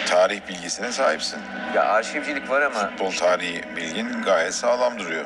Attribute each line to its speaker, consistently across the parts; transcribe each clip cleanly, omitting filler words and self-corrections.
Speaker 1: Tarih bilgisine sahipsin.
Speaker 2: Ya arşivcilik var ama...
Speaker 1: Futbol tarihi bilgin gayet sağlam duruyor.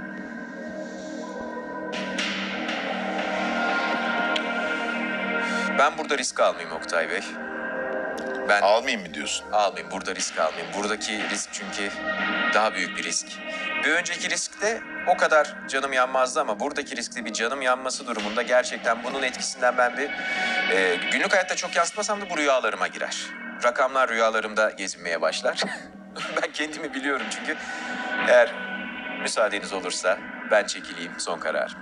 Speaker 2: Ben burada risk almayayım Oktay Bey.
Speaker 1: Almayayım mı diyorsun?
Speaker 2: Almayayım, burada risk almayayım. Buradaki risk çünkü daha büyük bir risk. Bir önceki riskte o kadar canım yanmazdı ama buradaki riskte bir canım yanması durumunda gerçekten bunun etkisinden ben bir... günlük hayatta çok yansıtmasam da bu rüyalarıma girer. Rakamlar rüyalarımda gezinmeye başlar. Ben kendimi biliyorum çünkü. Eğer müsaadeniz olursa ben çekileyim, son karar.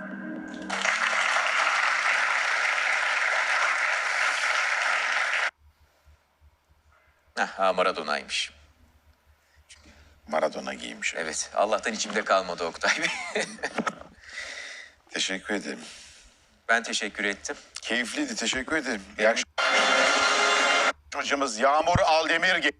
Speaker 2: Maradona'ymış.
Speaker 1: Maradona giymiş.
Speaker 2: Evet, Allah'tan içimde kalmadı Oktay Bey.
Speaker 1: Teşekkür ederim.
Speaker 2: Ben teşekkür ettim.
Speaker 1: Keyifliydi, teşekkür ederim. İyi akşamlar. Hocamız Yağmur Aldemir.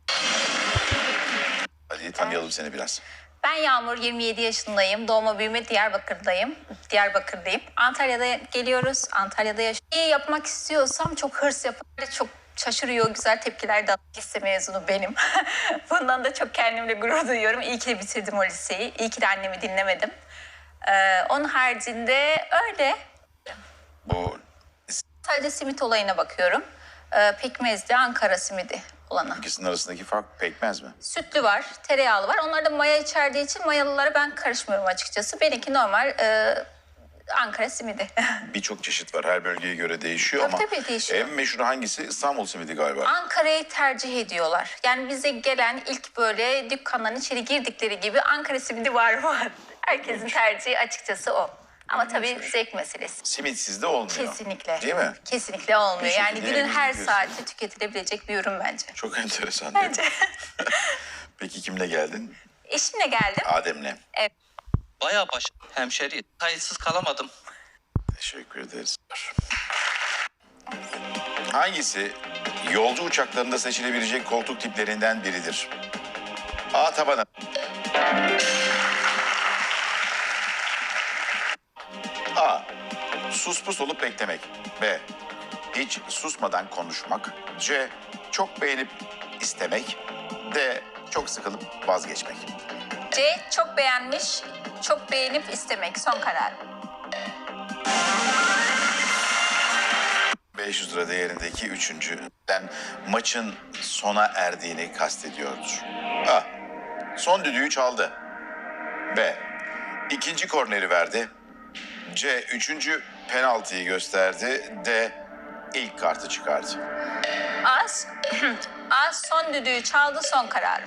Speaker 1: Hadi tanıyalım seni biraz.
Speaker 3: Ben Yağmur, 27 yaşındayım. Doğma büyüme Diyarbakır'dayım. Antalya'da geliyoruz. Antalya'da yaşıyorum. İyi yapmak istiyorsam çok hırs yapar. Çok şaşırıyor, güzel tepkiler de lise mezunu benim. Bundan da çok kendimle gurur duyuyorum. İyi ki de bitirdim o liseyi. İyi ki de annemi dinlemedim. Onun haricinde öyle.
Speaker 1: Bu
Speaker 3: Sadece simit olayına bakıyorum. Pekmezli Ankara simidi olanı.
Speaker 1: ikisinin arasındaki fark pekmez mi?
Speaker 3: Sütlü var, tereyağlı var. Onlar da maya içerdiği için mayalılara ben karışmıyorum açıkçası. Benimki normal Ankara simidi.
Speaker 1: Birçok çeşit var. Her bölgeye göre değişiyor
Speaker 3: Tabii,
Speaker 1: ama
Speaker 3: tabii değişiyor.
Speaker 1: en meşhur hangisi? İstanbul simidi galiba.
Speaker 3: Ankara'yı tercih ediyorlar. Yani bize gelen ilk böyle dükkanların içeri girdikleri gibi Ankara simidi var. Herkesin tercihi açıkçası o. Ama tabii zevk meselesi.
Speaker 1: Simitsiz de olmuyor.
Speaker 3: Kesinlikle.
Speaker 1: Değil mi?
Speaker 3: Kesinlikle olmuyor.
Speaker 1: Bir
Speaker 3: Yani
Speaker 1: şekilde
Speaker 3: günün her
Speaker 1: yiyorsun.
Speaker 3: saati tüketilebilecek bir ürün bence.
Speaker 1: Çok enteresan.
Speaker 3: Bence.
Speaker 1: Peki kimle geldin?
Speaker 3: Eşimle geldim.
Speaker 1: Adem'le.
Speaker 4: Bayağı hemşeri. Kayıtsız kalamadım.
Speaker 1: Teşekkür ederiz. Hangisi yolcu uçaklarında seçilebilecek koltuk tiplerinden biridir? A. Tabanı. A. Sus pus olup beklemek. B. Hiç susmadan konuşmak. C. Çok beğenip istemek. D. Çok sıkılıp vazgeçmek.
Speaker 3: C. Çok beğenmiş, çok beğenip istemek. Son karar.
Speaker 1: 500 lira değerindeki üçüncüden maçın sona erdiğini kastediyordur. A. Son düdüğü çaldı. B. İkinci korneri verdi. C. Üçüncü penaltıyı gösterdi. D. İlk kartı çıkardı.
Speaker 3: A. Son düdüğü çaldı, son kararım.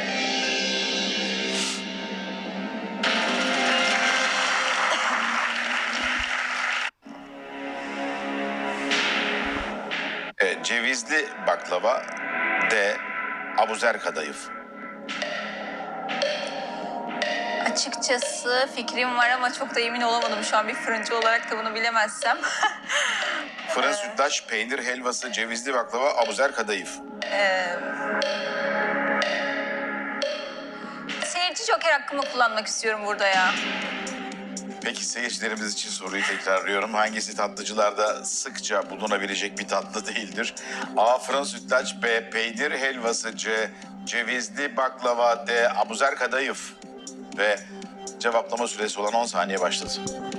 Speaker 1: Cevizli baklava. D. Abuzer kadayıf.
Speaker 3: Açıkçası fikrim var ama çok da emin olamadım şu an bir fırıncı olarak da bunu bilemezsem.
Speaker 1: Fırın sütlaç, peynir helvası, cevizli baklava, abuzer kadayıf.
Speaker 3: Seyirci joker hakkımı kullanmak istiyorum burada ya.
Speaker 1: Peki seyircilerimiz için soruyu tekrarlıyorum. Hangisi tatlıcılarda sıkça bulunabilecek bir tatlı değildir? A. Fırın sütlaç. B. Peynir helvası. C. Cevizli baklava. D. Abuzer kadayıf. Ve cevaplama süresi olan 10 saniye başladı.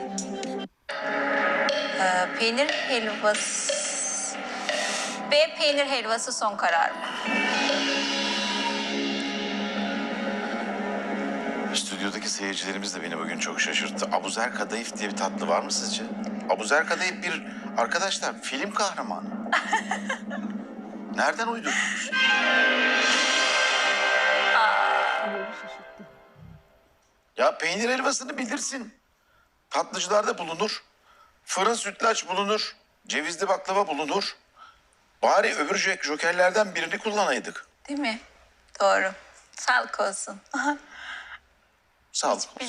Speaker 3: Peynir helvası... B. Peynir helvası son kararım.
Speaker 1: Stüdyodaki seyircilerimiz de beni bugün çok şaşırttı. Abuzer kadayıf diye bir tatlı var mı sizce? Abuzer kadayıf bir arkadaşlar film kahramanı. Nereden uydurdunuz? Ya peynir helvasını bilirsin. Tatlıcılarda bulunur. Fırın sütlaç bulunur. Cevizli baklava bulunur. Bari öbür jokerlerden birini kullanaydık.
Speaker 3: Değil mi? Doğru. Sağlık olsun.
Speaker 1: Sağ ol.